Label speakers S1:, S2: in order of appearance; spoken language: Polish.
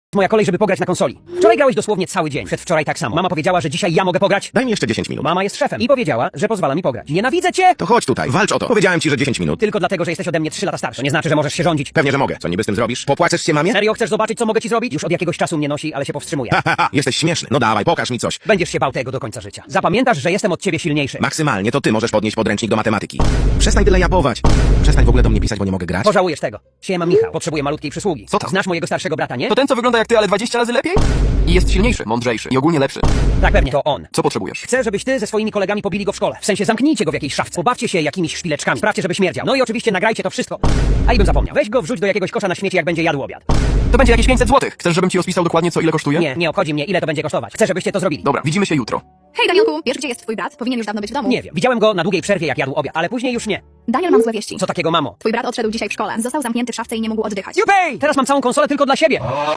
S1: Moja kolej, żeby pograć na konsoli. Wczoraj grałeś dosłownie cały dzień. Przedwczoraj tak samo. Mama powiedziała, że dzisiaj ja mogę pograć.
S2: Daj mi jeszcze 10 minut.
S1: Mama jest szefem i powiedziała, że pozwala mi pograć. Nienawidzę cię!
S2: To chodź tutaj, walcz o to. Powiedziałem ci, że 10 minut.
S1: Tylko dlatego, że jesteś ode mnie 3 lata starszy. To nie znaczy, że możesz się rządzić.
S2: Pewnie, że mogę. Co niby z tym zrobisz? Popłaczesz się mamie?
S1: Serio chcesz zobaczyć, co mogę ci zrobić? Już od jakiegoś czasu mnie nosi, ale się powstrzymuję.
S2: Ha, jesteś śmieszny. No dawaj, pokaż mi coś.
S1: Będziesz się bał tego do końca życia. Zapamiętasz, że jestem od ciebie silniejszy.
S2: Maksymalnie to ty możesz podnieść podręcznik do matematyki. Przestań tyle japować. Przestań w ogóle do mnie pisać, bo nie mogę grać.
S1: Pożałujesz tego. Siema Michał, potrzebuję malutkiej przysługi.
S3: Co tam?
S1: Znasz mojego starszego brata, nie?
S3: To ten, co wygląda jak ty, ale 20 razy lepiej? I jest silniejszy, mądrzejszy i ogólnie lepszy.
S1: Tak, pewnie, to on.
S3: Co potrzebujesz?
S1: Chcę, żebyś ty ze swoimi kolegami pobili go w szkole. W sensie zamknijcie go w jakiejś szafce. Pobawcie się jakimiś szpileczkami. Sprawdźcie, żeby śmierdział. No i oczywiście nagrajcie to wszystko. A i bym zapomniał. Weź go wrzuć do jakiegoś kosza na śmieci, jak będzie jadł obiad.
S3: To będzie jakieś 500 zł. Chcesz, żebym ci rozpisał dokładnie, co ile kosztuje?
S1: Nie obchodzi mnie, ile to będzie kosztować. Chcę, żebyście to zrobili.
S3: Dobra, widzimy się jutro.
S4: Hej Danielku, wiesz gdzie jest twój brat? Powinien już dawno być w domu.
S1: Nie wiem. Widziałem go na długiej przerwie, jak jadł obiad, ale później już nie.
S4: Daniel, mam złe wieści.
S1: Co takiego, mamo?
S4: Twój brat odszedł dzisiaj w szkole. Został zamknięty w szafce i nie mógł oddychać.
S1: Jupej! Teraz mam całą konsolę tylko dla siebie.